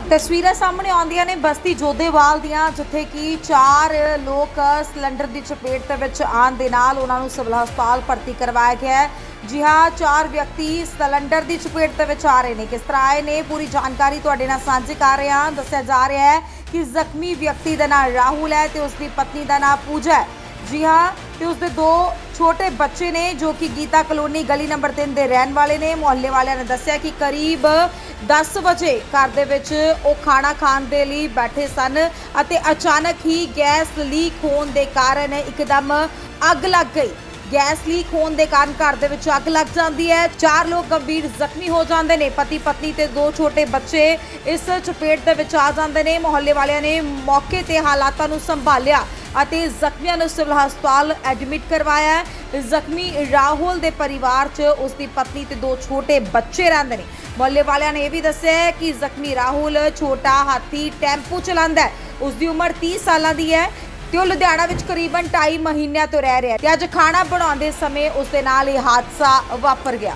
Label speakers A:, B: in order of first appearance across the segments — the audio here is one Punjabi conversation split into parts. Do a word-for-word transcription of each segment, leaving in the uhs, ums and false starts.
A: ਤਸਵੀਰਾਂ ਸਾਹਮਣੇ ਆਉਂਦੀਆਂ ਨੇ ਬਸਤੀ ਜੋਧੇਵਾਲ ਦੀਆਂ, ਜਿੱਥੇ ਕਿ ਚਾਰ ਲੋਕ ਸਿਲੰਡਰ ਦੀ ਚਪੇਟ ਦੇ ਵਿੱਚ ਆਉਣ ਦੇ ਨਾਲ ਉਹਨਾਂ ਨੂੰ ਸਿਵਲ ਹਸਪਤਾਲ ਭਰਤੀ ਕਰਵਾਇਆ ਗਿਆ ਹੈ। ਜੀ ਹਾਂ, ਚਾਰ ਵਿਅਕਤੀ ਸਿਲੰਡਰ ਦੀ ਚਪੇਟ ਦੇ ਵਿੱਚ ਆ ਰਹੇ ਨੇ। ਕਿਸ ਤਰ੍ਹਾਂ ਆਏ ਨੇ, ਪੂਰੀ ਜਾਣਕਾਰੀ ਤੁਹਾਡੇ ਨਾਲ ਸਾਂਝੀ ਕਰ ਰਹੇ ਹਾਂ। ਦੱਸਿਆ ਜਾ ਰਿਹਾ ਹੈ ਕਿ ਜ਼ਖਮੀ ਵਿਅਕਤੀ ਦਾ ਨਾਮ ਰਾਹੁਲ ਹੈ ਤੇ ਉਸ ਦੀ ਪਤਨੀ ਦਾ ਨਾਮ ਪੂਜਾ ਹੈ। जी हाँ, तो उसके दो छोटे बच्चे ने जो कि गीता कलोनी गली नंबर तीन के रहने वाले ने। मुहल्ले वाले ने दस्सिया कि करीब दस बजे घर दे विच वो खाना खाने के लिए बैठे सन अते अचानक ही गैस लीक होने के कारण एकदम अग लग गई। गैस लीक होने के कारण घर दे विच अग लग जाती है। चार लोग गंभीर जख्मी हो जाते हैं। पति पत्नी ते दो छोटे बच्चे इस चपेट दे विच आ जाते हैं। मुहल्ले वालियां ने मौके ते हालातां नूं संभालिया ਅਤੇ ਜ਼ਖਮੀਆਂ ਨੂੰ ਸਿਵਲ ਹਸਪਤਾਲ ਐਡਮਿਟ ਕਰਵਾਇਆ ਹੈ। ਜ਼ਖਮੀ ਰਾਹੁਲ ਦੇ ਪਰਿਵਾਰ 'ਚ ਉਸ ਦੀ ਪਤਨੀ ਤੇ ਦੋ ਛੋਟੇ ਬੱਚੇ ਰਹਿੰਦੇ ਨੇ। ਮੁਹੱਲੇ ਵਾਲਿਆਂ ਨੇ ਇਹ ਵੀ ਦੱਸਿਆ ਹੈ ਕਿ ਜ਼ਖਮੀ ਰਾਹੁਲ ਛੋਟਾ ਹਾਥੀ ਟੈਂਪੂ ਚਲਾਉਂਦਾ ਹੈ। ਉਸ ਦੀ ਉਮਰ तीस ਸਾਲਾਂ ਦੀ ਹੈ ਤੇ ਉਹ ਲੁਧਿਆਣਾ ਵਿੱਚ ਕਰੀਬਨ ਢਾਈ ਮਹੀਨਿਆਂ ਤੋਂ ਰਹਿ ਰਿਹਾ ਹੈ ਤੇ ਅੱਜ ਖਾਣਾ ਬਣਾਉਂਦੇ ਸਮੇਂ ਉਸ ਦੇ ਨਾਲ ਇਹ ਹਾਦਸਾ ਵਾਪਰ ਗਿਆ।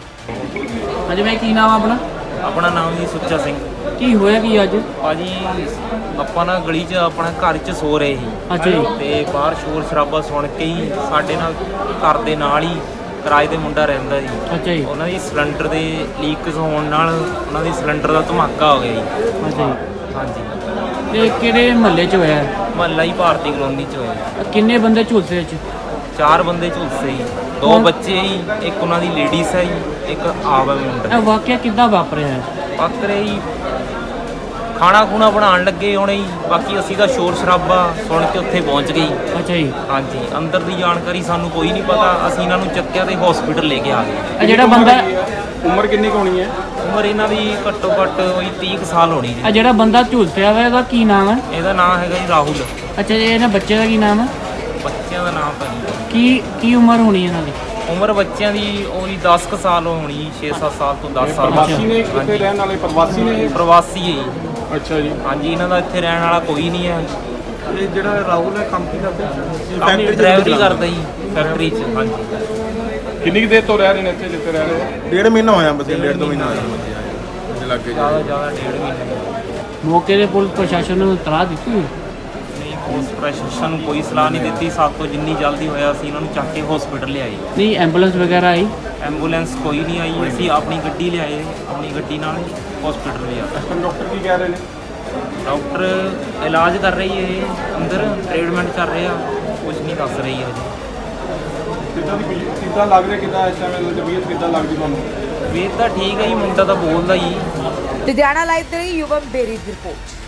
B: ਹਾਂਜੀ ਮੈਂ ਕੀ ਨਾਮ ਆ ਆਪਣਾ?
C: ਆਪਣਾ ਨਾਮ ਜੀ ਸੁੱਚਾ ਸਿੰਘ।
B: ਕੀ ਹੋਇਆ ਕੀ ਅੱਜ?
C: ਭਾਜੀ ਆਪਾਂ ਨਾ ਗਲੀ 'ਚ ਆਪਣਾ ਘਰ 'ਚ ਸੋ ਰਹੇ ਸੀ।
B: ਅੱਛਾ ਜੀ।
C: ਤੇ ਬਾਹਰ ਸ਼ੋਰ ਸ਼ਰਾਬਾ ਸੁਣ ਕੇ ਹੀ ਸਾਡੇ ਨਾਲ ਘਰ ਦੇ ਨਾਲ ਹੀ ਕਿਰਾਏ ਦੇ ਮੁੰਡਾ ਰਹਿੰਦਾ ਜੀ।
B: ਅੱਛਾ ਜੀ।
C: ਉਹਨਾਂ ਦੀ ਸਿਲੰਡਰ ਦੇ ਲੀਕ ਹੋਣ ਨਾਲ ਉਹਨਾਂ ਦੀ ਸਿਲੰਡਰ ਦਾ ਧਮਾਕਾ ਹੋ ਗਿਆ ਜੀ।
B: ਅੱਛਾ ਜੀ।
C: ਹਾਂਜੀ।
B: ਤੇ ਕਿਹੜੇ ਮਹੱਲੇ 'ਚ ਹੋਇਆ?
C: ਮਹੱਲਾ ਹੀ ਭਾਰਤੀ ਕਲੋਨੀ 'ਚ ਹੋਇਆ।
B: ਕਿੰਨੇ ਬੰਦੇ ਝੁਲਸੇ ਵਿੱਚ?
C: ਚਾਰ ਬੰਦੇ ਝੁਲਸੇ ਜੀ, ਦੋ
B: ਕੌਣ?
C: ਬੱਚੇ ਜੀ, ਇੱਕ ਉਹਨਾਂ ਦੀ ਲੇਡੀਜ਼ ਹੈ ਜੀ, ਇੱਕ ਆਪ ਹੈ ਮੁੰਡਾ।
B: ਇਹ ਵਾਕਿਆ ਕਿੱਦਾਂ ਵਾਪਰਿਆ ਹੈ?
C: ਪੱਕਰੇ ਜੀ ਖਾਣਾ ਖੂਣਾ ਬਣਾਉਣ ਲੱਗੇ ਹੋਣੇ ਜੀ। ਬਾਕੀ ਅਸੀਂ ਤਾਂ ਸ਼ੋਰ ਸ਼ਰਾਬਾ ਸੁਣ ਕੇ ਉੱਥੇ ਪਹੁੰਚ ਗਏ ਜੀ।
B: ਅੱਛਾ ਜੀ।
C: ਹਾਂਜੀ, ਅੰਦਰ ਦੀ ਜਾਣਕਾਰੀ ਸਾਨੂੰ ਕੋਈ ਨਹੀਂ ਪਤਾ। ਅਸੀਂ ਇਹਨਾਂ ਨੂੰ ਚੱਕਿਆ ਤੇ ਹਸਪੀਟਲ ਲੈ ਕੇ ਆ ਗਏ।
B: ਇਹ ਜਿਹੜਾ ਬੰਦਾ
D: ਉਮਰ ਕਿੰਨੀ ਕੁ ਹੋਣੀ ਹੈ?
C: ਉਮਰ ਇਹਨਾਂ ਦੀ ਘੱਟੋ ਘੱਟ ਉਹੀ ਤੀਹ ਕੁ ਸਾਲ ਹੋਣੀ
B: ਇਹ
C: ਜੀ।
B: ਜਿਹੜਾ ਬੰਦਾ ਝੁਲਸਿਆ ਵਾ ਇਹਦਾ ਕੀ ਨਾਮ ਹੈ?
C: ਇਹਦਾ ਨਾਮ ਹੈਗਾ ਜੀ ਰਾਹੁਲ।
B: ਅੱਛਾ ਜੀ। ਇਹਨਾਂ ਬੱਚੇ ਦਾ ਕੀ ਨਾਮ ਹੈ?
C: ਬੱਚਿਆਂ ਦਾ ਨਾਮ ਤਾਂ ਨਹੀਂ।
B: ਕੀ ਕੀ ਉਮਰ ਹੋਣੀ ਇਹਨਾਂ ਦੀ?
C: ਉਮਰ ਬੱਚਿਆਂ ਦੀ ਉਹੀ ਦਸ ਕੁ ਸਾਲ ਹੋਣੀ, ਛੇ ਸੱਤ ਸਾਲ ਤੋਂ ਦਸ ਸਾਲ।
D: ਪ੍ਰਵਾਸੀ ਨੇ ਇੱਥੇ
C: ਹਾਂਜੀ।
D: ਰਹਿਣ ਵਾਲੇ ਪ੍ਰਵਾਸੀ ਨੇ ਇਹ?
C: ਪ੍ਰਵਾਸੀ ਹੈ ਜੀ।
D: ਅੱਛਾ ਜੀ।
C: ਹਾਂਜੀ, ਇਹਨਾਂ ਦਾ ਇੱਥੇ ਰਹਿਣ ਵਾਲਾ ਕੋਈ ਨਹੀਂ ਹੈ।
D: ਇਹ ਜਿਹੜਾ ਰਾਹੁਲ ਹੈ ਕੰਮ ਕੀ ਕਰਦਾ?
C: ਆਪਣੀ ਡਰਾਈਵਰੀ ਕਰਦਾ ਜੀ ਫੈਕਟਰੀ 'ਚ। ਹਾਂਜੀ।
D: ਕਿੰਨੀ ਕੁ ਦੇਰ ਤੋਂ ਰਹਿ ਰਹੇ ਨੇ ਇੱਥੇ ਜਿੱਥੇ ਰਹਿ ਰਹੇ ਹੋ?
E: ਡੇਢ ਮਹੀਨਾ ਹੋਇਆ ਬਸ, ਡੇਢ ਦੋ ਮਹੀਨਾ ਹੋਇਆ ਬੱਚੇ ਲੱਗੇ
C: ਜ਼ਿਆਦਾ ਜ਼ਿਆਦਾ ਡੇਢ ਮਹੀਨੇ।
B: ਮੌਕੇ ਦੇ ਪੁਲਿਸ ਪ੍ਰਸ਼ਾਸਨ ਨੂੰ ਇਤਲਾਹ ਦਿੱਤੀ?
C: ਨਹੀਂ, ਪੁਲਿਸ ਪ੍ਰਸ਼ਾਸਨ ਨੂੰ ਕੋਈ ਸਲਾਹ ਨਹੀਂ ਦਿੱਤੀ। ਸਾਡੇ ਤੋਂ ਜਿੰਨੀ ਜਲਦੀ ਹੋਇਆ ਅਸੀਂ ਇਹਨਾਂ ਨੂੰ ਚੱਕ ਕੇ ਹਸਪੀਟਲ ਲਿਆਏ।
B: ਨਹੀਂ ਐਂਬੂਲੈਂਸ ਵਗੈਰਾ ਆਈ?
C: ਐਂਬੂਲੈਂਸ ਕੋਈ ਨਹੀਂ ਆਈ। ਅਸੀਂ ਆਪਣੀ ਗੱਡੀ ਲਿਆਏ, ਆਪਣੀ ਗੱਡੀ ਨਾਲ ਹਸਪੀਟਲ ਲਿਆ।
D: ਡਾਕਟਰ ਕੀ ਕਹਿ ਰਹੇ ਨੇ?
C: ਡਾਕਟਰ ਇਲਾਜ ਕਰ ਰਹੀ ਹੈ, ਅੰਦਰ ਟ੍ਰੀਟਮੈਂਟ ਕਰ ਰਹੇ ਆ, ਕੁਝ ਨਹੀਂ ਦੱਸ ਰਹੀ ਹੈ ਜੀ।
D: ਕਿੱਦਾਂ ਦੀ ਕਿੱਦਾਂ ਲੱਗ ਰਿਹਾ, ਕਿੱਦਾਂ ਇਸ ਟਾਈਮ ਤਬੀਅਤ ਕਿੱਦਾਂ ਲੱਗਦੀ ਤੁਹਾਨੂੰ?
C: ਵੇਖ ਤਾਂ ਠੀਕ ਹੈ ਜੀ, ਮੁੰਡਾ ਤਾਂ ਬੋਲਦਾ ਹੀ।
A: ਲੁਧਿਆਣਾ ਲਾਈਵ ਦੇ ਲਈ ਯੁਵਮ ਬੇਰੀ ਦੀ ਰਿਪੋਰਟ।